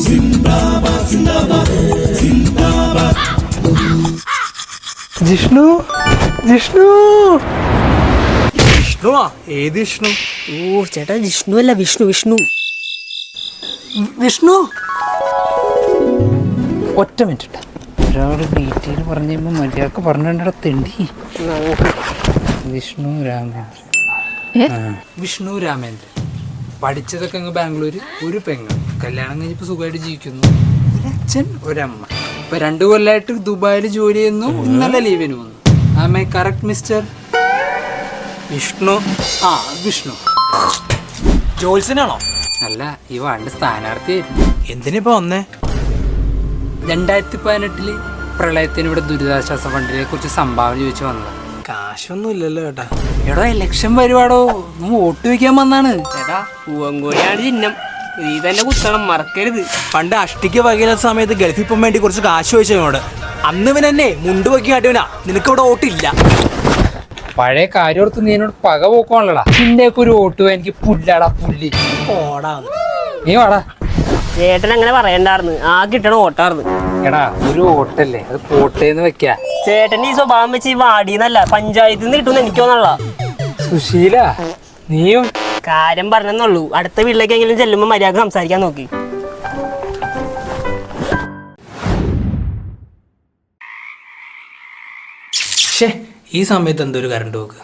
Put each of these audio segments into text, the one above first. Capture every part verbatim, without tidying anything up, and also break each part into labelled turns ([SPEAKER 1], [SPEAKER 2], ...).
[SPEAKER 1] ജിഷ്ണു ജിഷ്ണു വിഷ്ണുവാ? ഏത് വിഷ്ണു?
[SPEAKER 2] ഓ ചേട്ടാ ജിഷ്ണു അല്ല, വിഷ്ണു വിഷ്ണു
[SPEAKER 1] വിഷ്ണു ഒറ്റ മിനിറ്റ്. ഒരാൾ ഡീറ്റെയിൽ പറഞ്ഞു കഴിയുമ്പോൾ മര്യാദക്ക് പറഞ്ഞിട തെണ്ടി. വിഷ്ണു രാമേന്ദ്രൻ. വിഷ്ണു രാമേന്ദ്രൻ പഠിച്ചതൊക്കെ അങ്ങ് ബാംഗ്ലൂര്. ഒരു പെങ്ങൾ കല്യാണം കഴിഞ്ഞപ്പോൾ സുഖമായിട്ട് ജീവിക്കുന്നു. ഒരച്ഛൻ ഒരമ്മ. ഇപ്പൊ രണ്ടു കൊല്ലമായിട്ട് ദുബായിൽ ജോലി ചെയ്യുന്നു. ഇന്നലെ ലീവിന് വന്നു. Am I correct mister Vishnu? ആ വിഷ്ണു. ജോത്സ്യനാണോ? അല്ല, ഈ വാർഡിന്റെ സ്ഥാനാർത്ഥിയായിരുന്നു. എന്തിനിപ്പോ വന്നേ? രണ്ടായിരത്തി പതിനെട്ടില് പ്രളയത്തിന് ഇവിടെ ദുരിതാശ്വാസ ഫണ്ടിനെ കുറിച്ച് സംഭാവന ചോദിച്ചു വന്നത്. കാശൊന്നും ഇല്ലല്ലോ ചേട്ടാ. എടോ ഇലക്ഷൻ വരുവാടോ, വോട്ട് വയ്ക്കാൻ വന്നാണ്
[SPEAKER 2] ചേട്ടാ. പൂവങ്കോഴിയാണ് ചിഹ്നം, നീ തന്നെ കുത്തണം, മറക്കരുത്.
[SPEAKER 1] പണ്ട് അഷ്ടിക്ക് വകയില സമയത്ത് ഗൾഫിൽ പോകാൻ വേണ്ടി കുറച്ച് കാശ് ചോദിച്ചവനോട് അന്ന് ഇവൻ എന്നെ മുണ്ട് വയ്ക്കാൻ കാട്ടിയവനാ. നിനക്ക് ഇവിടെ വോട്ടില്ല. പഴയ കാര്യം ഓർത്ത് നീ എന്നോട് പക പോക്കോണല്ലടാ. നിന്റെയൊക്കെ ഒരു വോട്ട് എനിക്ക് പുല്ലാടാ പുല്ലി. ഓടാ നീ വാടാ.
[SPEAKER 2] ചേട്ടൻ അങ്ങനെ പറയണ്ടായിരുന്നു, ആ കിട്ടണ ഓട്ടാർന്ന്.
[SPEAKER 1] എടാ ഒരു വോട്ടല്ലേ, അത് പോട്ടേന്ന് വെക്കാ.
[SPEAKER 2] ചേട്ടൻ ഈ സ്വഭാവം വെച്ച് ഈ വാടിന്നല്ല പഞ്ചായത്തിൽ നിന്ന് കിട്ടുമെന്ന് എനിക്ക് തോന്നല്ല.
[SPEAKER 1] സുശീല നീയും
[SPEAKER 2] കാര്യം പറഞ്ഞെന്നുള്ളൂ. അടുത്ത വീട്ടിലേക്കെങ്കിലും ചെല്ലുമ്പോ മര്യാദ സംസാരിക്കാൻ നോക്കി.
[SPEAKER 1] ഈ സമയത്ത് എന്തൊരു കറണ്ട് പോക്ക്?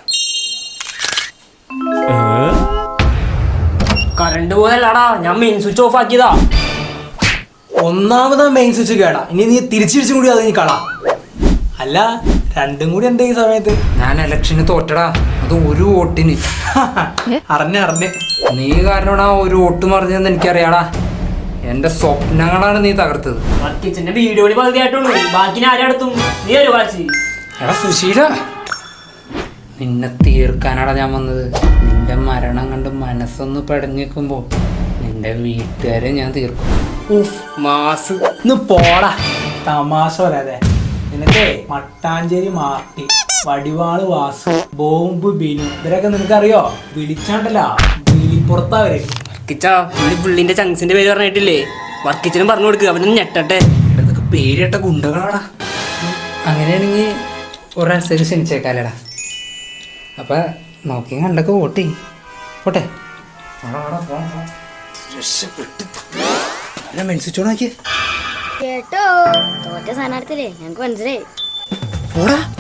[SPEAKER 2] കറണ്ട് പോയല്ലാടാ, ഞാൻ മെയിൻ സ്വിച്ച് ഓഫ് ആക്കിയതാ.
[SPEAKER 1] ഒന്നാമതാ മെയിൻ സ്വിച്ച് കേടാ. ഇനി നീ തിരിച്ചിരിച്ചും കൂടി അത് നീ കളാ. അല്ല രണ്ടും കൂടി എന്താ ഈ സമയത്ത്? ഞാൻ ഇലക്ഷന് തോറ്റടാ, അത് ഒരു വോട്ടിന്. അറിഞ്ഞ അറിഞ്ഞ് നീ കാരണമാണ് ആ ഒരു വോട്ട് മറിഞ്ഞതെന്ന് എനിക്കറിയാടാ. എന്റെ സ്വപ്നങ്ങളാണ് നീ തകർത്തത്.
[SPEAKER 2] കിച്ചന്റെ വീഡിയോയിൽ പകുതിയായിട്ടുള്ളൂ, ബാക്കി ആരെടുത്തും നീ ഒരു വാശി.
[SPEAKER 1] എടാ സുശീല, നിന്നെ തീർക്കാനാടാ ഞാൻ വന്നത്. നിന്റെ മരണം കണ്ട് മനസ്സൊന്ന് പടഞ്ഞേക്കുമ്പോ നിന്റെ വീട്ടുകാരെ ഞാൻ തീർക്കും.
[SPEAKER 2] മാസ്
[SPEAKER 1] ഇന്ന് പോടാ. തമാശ വരാതെ. നിനക്കേ മട്ടാഞ്ചേരി മാർട്ടി, വടിവാള് വാസു, ബോംബ് ബിനു ഇവരൊക്കെ നിനക്കറിയോ? വിളിച്ചാണ്ടല്ല വിളിപ്പുറത്താ വരെ.
[SPEAKER 2] വർക്കിച്ച പുള്ളിന്റെ ചങ്സിന്റെ പേര് പറഞ്ഞിട്ടില്ലേ? വർക്കിച്ചനും പറഞ്ഞു കൊടുക്കുക, അവനൊന്ന് ഞെട്ടട്ടെ.
[SPEAKER 1] ഇതൊക്കെ പേരിട്ട ഗുണ്ടകളാടാ. അങ്ങനെയാണെങ്കിൽ ഒരാഴ്ചക്ക് ക്ഷണിച്ചേക്കാലടാ. അപ്പൊ നോക്കി കണ്ടൊക്കെ വോട്ട് ചെയ്യും. പോട്ടെ.
[SPEAKER 3] കേട്ടോ തോറ്റ സ്ഥാനാർത്ഥില്ലേ ഞങ്ങക്ക് മനസ്സിലായി.
[SPEAKER 1] പോടാ.